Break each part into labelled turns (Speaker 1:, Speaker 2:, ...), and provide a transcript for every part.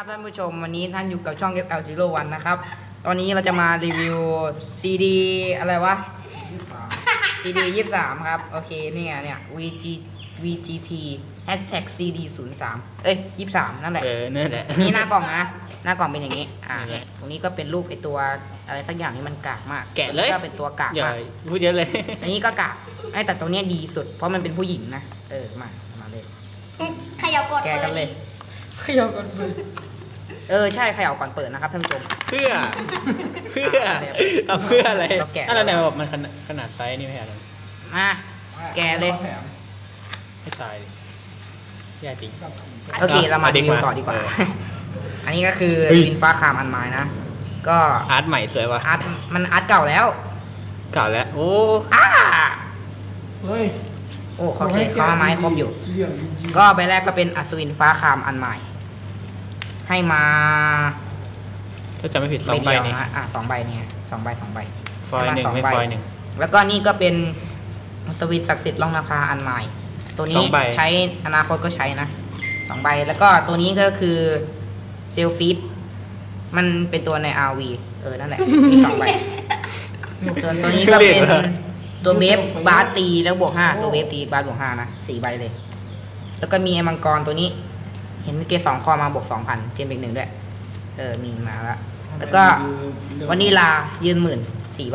Speaker 1: ท่านผู้ชมวันนี้ท่านอยู่กับช่อง FL01 นะครับตอนนี้เราจะมารีวิว CD อะไรวะ CD 23ครับโอเคนี่ไงเนี่ย VGT hashtag CD 0323นั่นแหละ
Speaker 2: นั่นแหละ
Speaker 1: นี่หน้ากล่องนะหน้ากล่องเป็นอย่างนี้ตรงนี้ก็เป็นรูปไอตัวอะไรสักอย่างที่มันกากมาก
Speaker 2: แกะเลย
Speaker 1: ก็เป็นตัวกากมาก
Speaker 2: พูดเยอะเลย
Speaker 1: อันนี้ก็กากแต่ตัวนี้ดีสุดเพราะมันเป็นผู้หญิงนะมาเลย
Speaker 3: ขยับกด
Speaker 1: แกะกันเลย
Speaker 3: ขยับกดเปิด
Speaker 1: ใช่เขย่าก่อนเปิดนะครับท่านผู้ชม
Speaker 2: เพื่อทำเพื่ออะไร
Speaker 1: เราแกะ
Speaker 2: อะไรแบบมันขนาดไซส์นี่ไม่ใช่หรอ
Speaker 1: มาแกะเลย
Speaker 2: ให้ตายดิแย่จริง
Speaker 1: โอเคเรามารีวิวต่อดีกว่า อันนี้ก็คือวินฟ้าคามอันไม้นะก็
Speaker 2: อาร์ตใหม่สวยว่ะ
Speaker 1: อาร์ตมันอาร์ตเก่าแล้ว
Speaker 2: เก่าแล้วโอ้
Speaker 4: เฮ้ย
Speaker 1: โอ้เขาเขียนเขามาไม้ครบอยู่
Speaker 4: เรื่องจริง
Speaker 1: ก็ใบแรกก็เป็นอัศวินฟ้าคามอันใหม่ให้มา
Speaker 2: ถ้าจำไม่ผิด2 ใบ
Speaker 1: เดียว
Speaker 2: นี่
Speaker 1: นะ2 ใบเนี่ย2 ใบ
Speaker 2: ฟอยล์หนึ่งไม่ฟอยล์หนึ่ง
Speaker 1: แล้วก็นี่ก็เป็นอัศวินศักดิ์สิทธิ์ล่องนภาอันใหม่ ตัวนี้
Speaker 2: 2 ใบ
Speaker 1: ใช้อนาคตก็ใช้นะ2 ใบแล้วก็ตัวนี้ก็คือเซลฟิตมันเป็นตัวใน RV นั่นแหละมี2 ใบ ส่วนตัวนี้ก็เป็นตัวเวฟบาสตีแล้วบวก5ตัวเวฟตีบาสบวก5นะ4 ใบเลย แล้วก็มีไอ้มังกรตัวนี้ เห็นเกรด2 คอมาบวก 2,000 เจมเบก1ด้วยมีมาแล้วก็วานิลายืน14,000 ใบ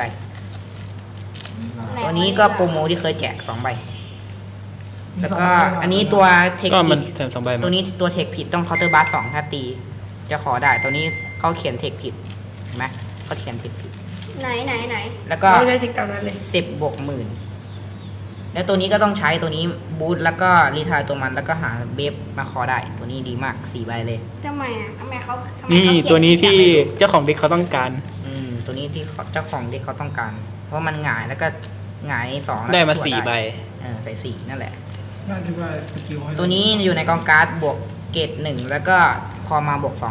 Speaker 1: ตัวนี้ก็โปรโมที่เคยแจก2 ใบ แล้วก็อันนี้ตัวเทค
Speaker 2: ก็
Speaker 1: ผิ
Speaker 2: มัน
Speaker 1: ด
Speaker 2: แถม2 ใบ
Speaker 1: ตัวนี้ตัวเทคผิดต้องเคาน์เตอร์บาส2ถ้าตีจะขอได้ตัวนี้เขาเขียนเทคผิดเห็นไหมเขาเขียนเทคผิด
Speaker 3: ไหน
Speaker 1: แล้วก็
Speaker 3: เราใช้สิ่งต่างนั้นเลย
Speaker 1: 10 บวก 10,000 แล้วตัวนี้ก็ต้องใช้ตัวนี้บูทแล้วก็รีทายตัวมันแล้วก็หาเบฟมาคอได้ตัวนี้ดีมาก4 ใบเลย
Speaker 3: ทำไมเขา
Speaker 2: นี่
Speaker 3: เขีย
Speaker 2: ตัวนี้ที่
Speaker 3: แบบ
Speaker 2: เจ้าของเด็กเขาต้องการ
Speaker 1: ตัวนี้ที่เจ้าของเด็กเขาต้องการ เพราะมันหงายแล้วก็หงาย2
Speaker 2: ได้มา
Speaker 1: แล้วก็
Speaker 2: 4 ใบ
Speaker 1: ใส่4นั่นแหละ
Speaker 4: น่าจะว่าสกิลให้
Speaker 1: ตัวนี้อยู่ในกองการ์ดบวกเกรด1แล้วก็คอมาบวก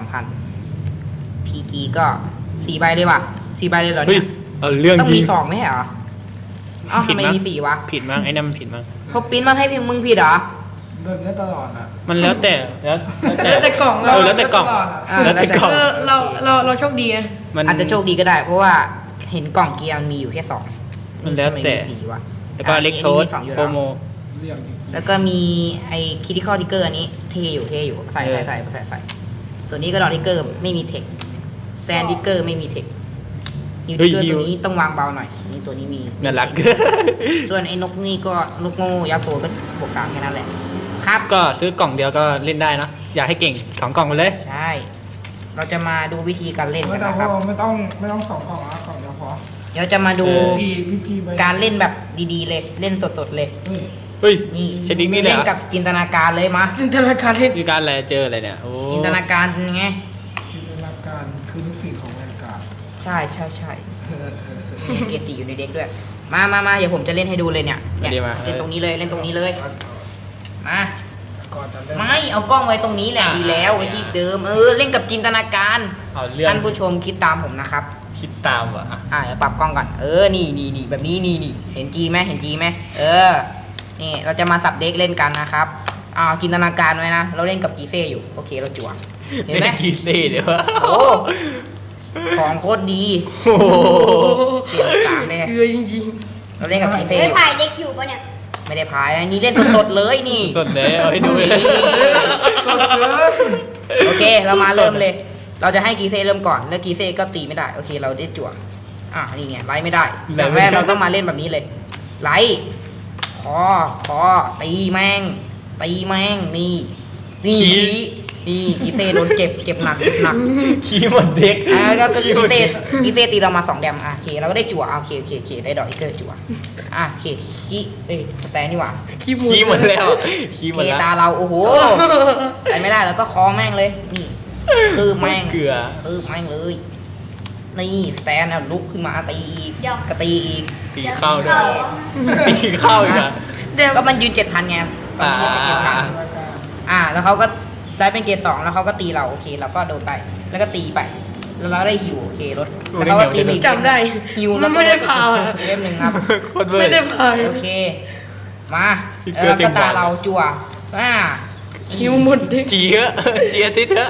Speaker 1: 2,000 PG ก็4 ใบเลยว่ะ4 ใบเลยเหรอ
Speaker 2: เฮ้ย
Speaker 1: เนี่ย
Speaker 2: เอาเรื่อง
Speaker 1: ต้อง
Speaker 2: จริ
Speaker 1: มี
Speaker 2: ง
Speaker 1: 2ไม่ใช่เหรออ้าวทำไมมี4วะ
Speaker 2: ผิดมั้งไอ้นั่นมันผิดมั้ง
Speaker 1: เขาปริ้นมาให้เพียงมึงผิดเหรอ
Speaker 4: แบบนี้ตลอดอ่ะ
Speaker 2: มันแล้วแต่แล้ว
Speaker 3: แต่กล่อง
Speaker 2: แล้วแต่กล่อง แล้วแต่กล่อง
Speaker 3: เราโชคดีไง
Speaker 2: มัน
Speaker 1: อาจจะโชคดีก็ได้ เพราะว่าเห็นกล่องเกียร์มันมีอยู่แค่2
Speaker 2: มันแล้วแต่
Speaker 1: ทำไ4วะ
Speaker 2: แล้วก็เล็กโทส
Speaker 1: สองอยู่
Speaker 2: โปร
Speaker 1: แล้ว
Speaker 2: โม
Speaker 4: เรื่องจริง
Speaker 1: แล้วก็มีไอ้คิด i คอลทิกเกอร์อันนี้เท่อยู่ใส่ตัวนี้ก็ดอทิกเกอร์ไม่มีเทคสแตนดิกเกอร์ไม่มีเทคฮิวทิกเกอร์ตัวนี้ต้องวางเบาหน่อยนี่ตัวนี้มี
Speaker 2: น่ารัก
Speaker 1: ส่วนไอ้นกนี่ก็นกโง่ยาโซก็บวก3แค่นั้นแหละครับ
Speaker 2: ก็ซื้อกล่องเดียวก็เล่นได้เนอะอยากให้เก่ง2 กล่องไปเลย
Speaker 1: ใช่ เราจะมาดูวิธีการเล่น
Speaker 4: ไม่
Speaker 1: กัน
Speaker 4: ต้อง
Speaker 1: นะครับ
Speaker 4: ไม่ต้อง2 กล่องละกล่องเดียวพอ
Speaker 1: เดี๋ยวจะมาดู
Speaker 4: วิธีไป
Speaker 1: การเล่นแบบดีๆเลยเล่นสดๆเลย
Speaker 4: เฮ้ย
Speaker 2: เฮ้ย
Speaker 1: นี่
Speaker 2: เชดดิ้งนี่เลย
Speaker 1: เล่
Speaker 2: เห
Speaker 1: น
Speaker 2: รอ
Speaker 1: กับจินตนาการเลยมา
Speaker 3: จินตนาการเล่น
Speaker 2: มีการอะไรเจออะไรเนี่ยโอ้
Speaker 1: จินตนาการไง
Speaker 4: จินตนาการคือทุกสิ่งของแวนการ์ด
Speaker 1: ใช่นี่เกียร์4อยู่ในเด็กด้วยมาเดี๋ยวผมจะเล่นให้ดูเลยเนี่ยเล่นตรงนี้เลยมา
Speaker 4: ก่อนจะเล่น
Speaker 1: ไม่เอากล้องไว้ตรงนี้แหละดีแล้วไว้ที่เดิมเล่นกับจินตนาการ
Speaker 2: เอาเรื่อง
Speaker 1: ท่านผู้ชมคิดตามผมนะครับ
Speaker 2: คิดตามว่ะ
Speaker 1: เดี๋ยวปรับกล้องก่อนนี่แบบนี้นี่เห็นจีไหมนี่เราจะมาสับเด็กเล่นกันนะครับจินตนาการไว้นะเราเล่นกับกีเซ่อยู่โอเคเราจั่วเห็นไหม
Speaker 2: กีเซ่เลยวะ
Speaker 1: โอ้ของโคตรดี
Speaker 2: โอ้โห
Speaker 1: เปลี่ยนสามเลย
Speaker 3: เกลือจริง
Speaker 1: เราเล่นกับกีเซ่
Speaker 3: ไม่ถ่ายเด็กอยู่ปะเนี่ย
Speaker 1: ไม่ได้พายนะนี่เล่นสดๆเลยนี่
Speaker 2: สดเลยเอาให้ดูเลย
Speaker 1: โอเคเรามาเริ่มเลย เราจะให้กีเซ่เริ่มก่อนแล้วกีเซ่ก็ตีไม่ได้โอเคเราได้จั่วนี่ไงไล่ไม่ได้อย่างแรกเราต้องมาเล่นแบบนี้เลยไล่คอตีแม่งนี่กีเซ่โดนเก็บหนัก
Speaker 2: ขี้หมดเด็ก
Speaker 1: ก็กีเซ่ตีเรามา2 แดมโอเคเราก็ได้จั่วโอเคได้ดอกอีกเกอร์จั่วโอเคสแตนนี่หว่า
Speaker 3: ๆขี้มู
Speaker 2: ขี้หมดแล้วขี้หม
Speaker 1: เค
Speaker 2: ดแล้ว
Speaker 1: ตาเราโอ้โหไปไม่ได้แล้วก็คอแม่งเลยนี่คือแม่ง
Speaker 2: เกลือ
Speaker 1: แม่งเลยนี่สแตนลุกขึ้นมาตีอีก
Speaker 3: เดี๋ยว
Speaker 1: ก็ตีอีก
Speaker 2: ตีเข้าด้วยตีเข้าอีกอ่ะ
Speaker 3: เดี๋ยว
Speaker 1: ก็มันยืน 7,000ไงตอนนี้เป็น7,000แล้วเขาก็ได้เป็นเกรด2แล้วเขาก็ตีเราโอเคเราก็โดนไปแล้วก็ตีไปแล้วเราได้ฮิวโอเคลดแล้วเขาก็ตีอีก
Speaker 3: จำได้
Speaker 1: ฮิวแล้วก็
Speaker 3: ไม่ได้พา
Speaker 1: เล่มหนึ่งครับ
Speaker 2: โคตรเวอร์
Speaker 3: ไม่ได้พาย
Speaker 1: โอเคมา
Speaker 2: อีก
Speaker 1: แล้ว
Speaker 2: เกินเต็
Speaker 1: ก็
Speaker 2: ม
Speaker 1: ตา
Speaker 2: บาท
Speaker 1: เราจั่ว
Speaker 3: หิวหมดเด็ก
Speaker 2: จีเถอะจีอาทิตย์เถอะ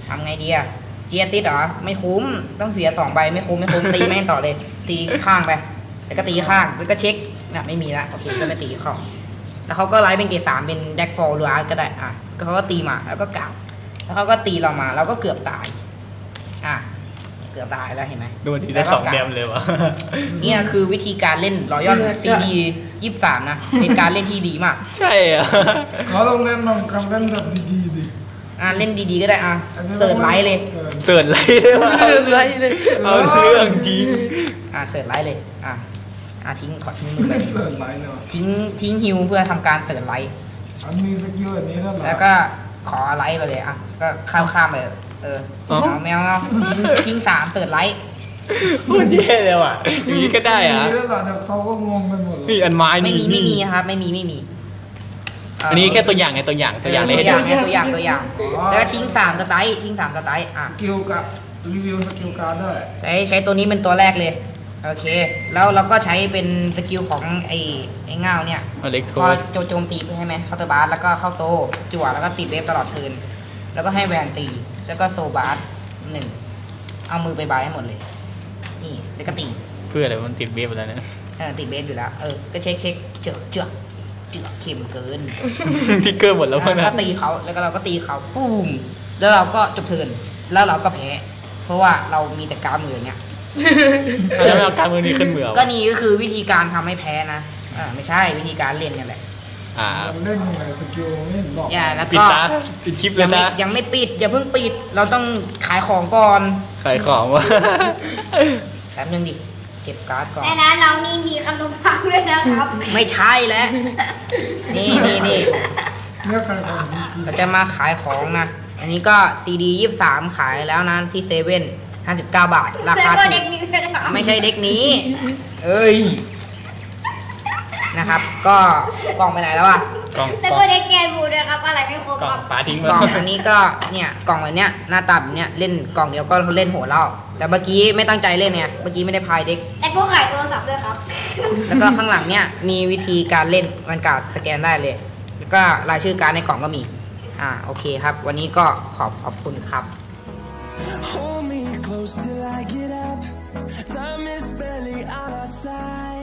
Speaker 1: ทำไงดีอะเจียซิดเหรอไม่คุ้มต้องเสีย2 ใบไม่คุ้มตีแม่งต่อเลย ตีข้างไปแล้วก็ตีข้างแล้วก็เช็คนะไม่มีละโอเคก็ไปตีของแล้วเขาก็ไลฟ์เป็นเกรด 3เป็นแดกฟอลลูอาร์ก็ได้อ่ะก็เขาก็ตีมาแล้วก็กลับแล้วเขาก็ตีเรามาเราก็เกือบตายอ่ะเกือบตายแล้วเห็นไหม
Speaker 2: ดูทีได้2 แดมเลยวะ
Speaker 1: เนี่ยคือวิธีการเล่นรอยัลซีดี23นะเป็นการเล่นที่ดีมาก
Speaker 2: ใช่อ่ะ
Speaker 4: เขาต้องเล่นลองคำเล่นแบบดีๆดิ
Speaker 1: เล่นดีๆก็ได้เสิร์ชไลท์เลย
Speaker 2: เตือนไรเลยวะ
Speaker 3: ไรเลย
Speaker 2: เอาเรื่องจริง
Speaker 1: เสิร์ชไลท์เลยทิ้งขอทิ้งมือไป
Speaker 4: เสิร์ฟไลน์เลยวะ
Speaker 1: ทิ้งฮิวเพื่อทำการเสิร์ชไลท์
Speaker 4: อันมีสกิลแบบนี้แล้วเหรอ
Speaker 1: แล้วก็ขอไลท์ไปเลยก็ข้ามไปเอาแมวทิ้ง3เสิร์ชไลท์
Speaker 2: พูดแย่เลยว่ะอย่างนี้ก็ได้อ่ะ
Speaker 4: มีแล้วเหรอเดี๋ยวเขาก็งงกันหมดเลย
Speaker 2: นี่อันไม้
Speaker 1: ไม่
Speaker 2: นี่
Speaker 1: มีครับไม่มี
Speaker 2: อันนี้แค่ตัวอย่างไงตัวอย่างเลยให้
Speaker 1: ตัวอ
Speaker 2: ดู
Speaker 1: ย่างตัวอย่างแล้วก็ทิ้ง3สไตล์ทิ้ง3สไตล์
Speaker 4: สกิลกับรีวิวสกิลการ์ดด้วย
Speaker 1: ใช้ตัวนี้เป็นตัวแรกเลยโอเคแล้วเราก็ใช้เป็นสกิลของไอ้เงาเนี่ย
Speaker 2: อเล็กโท
Speaker 1: พอโจมตีใช่ไหมเคาน์เตอร์บาร์แล้วก็เข้าโซจั่วแล้วก็ติดเวฟตลอดเทิร์นแล้วก็ให้แวนตีแล้วก็โซบาร์1เอามือไปบายให้หมดเลยนี่แล้วก็ตี
Speaker 2: เพื่ออะไรมันติดเวฟไปแล้วเนี่ย
Speaker 1: ติดเบสอยู่แล้วก็เช็คเจือกเข็มเกิน
Speaker 2: ทิกเกอร์หมดแล้ว
Speaker 1: แล้ว
Speaker 2: นะ
Speaker 1: ก็ตีเขาแล้วก็เราก็ตีเขาปุ้มแล้วเราก็จบเทิร์นแล้วเราก็แพ้เพราะว่าเรามีแต่การมืออย่างเงี้ย
Speaker 2: แล้วเอาการมือนี้ขึ้นมือ
Speaker 1: ก็นี่ก็คือวิธีการทำให้แพ้นะไม่ใช่วิธีการเล่นกันแหละ
Speaker 4: มันเล่นยังไงสกิลไม่เห็นบอก
Speaker 1: แล้ว
Speaker 2: ปิด
Speaker 1: ก็
Speaker 2: ตาปิดคลิปเลยนะ
Speaker 1: ยังไม่ปิดอย่าเพิ่งปิดเราต้องขายของก่อน
Speaker 2: ขายของวะ
Speaker 1: แป๊บนึงดิเก็บการ์ดก่อน
Speaker 3: ในนั้นเรานี่มีขนมปังด้วยนะครับ
Speaker 1: ไม่ใช่แล้วนี่
Speaker 4: เลือกใครก่อน
Speaker 1: เราจะมาขายของนะ อันนี้ก็ซีดี23ขายแล้วนะที่เซเว่น59 บาท รา
Speaker 3: แล้ว
Speaker 1: คา
Speaker 3: ก็
Speaker 1: ถู
Speaker 3: เด็
Speaker 1: ก
Speaker 3: กมีด้วยนะครับ
Speaker 1: ไม่ใช่เด็กนี้ เอ้ย นะครับ ก็กล่องไปไหนแล้วอะ
Speaker 2: กล่อง
Speaker 3: แล้ว
Speaker 2: กล่อง
Speaker 3: ก็เด็กแกนบูด้วยครับอะไรไม่ครบ
Speaker 2: กล่อ
Speaker 3: ค
Speaker 2: ง
Speaker 3: รับ
Speaker 2: ปาทิ้ง
Speaker 1: กล่อง
Speaker 2: มา
Speaker 1: อันนี้ก็เนี่ยกล่องแบบเนี้ยหน้าตาแบบเนี้ยเล่นกล่องเดียวก็เล่นโหดแล้วแต่เมื่อกี้ไม่ตั้งใจเล่นเนี่ยเมื่อกี้ไม่ได้พายเด็ก
Speaker 3: แล้วก็ขายโทรศัพท์ด้วยครับ
Speaker 1: แล้วก็ข้างหลังเนี่ยมีวิธีการเล่นมันการ์ดสแกนได้เลย แล้วก็รายชื่อการ์ดในกล่องก็มีโอเคครับ วันนี้ก็ขอบคุณครับ
Speaker 5: Hold me close till I get up. Time is barely on our side.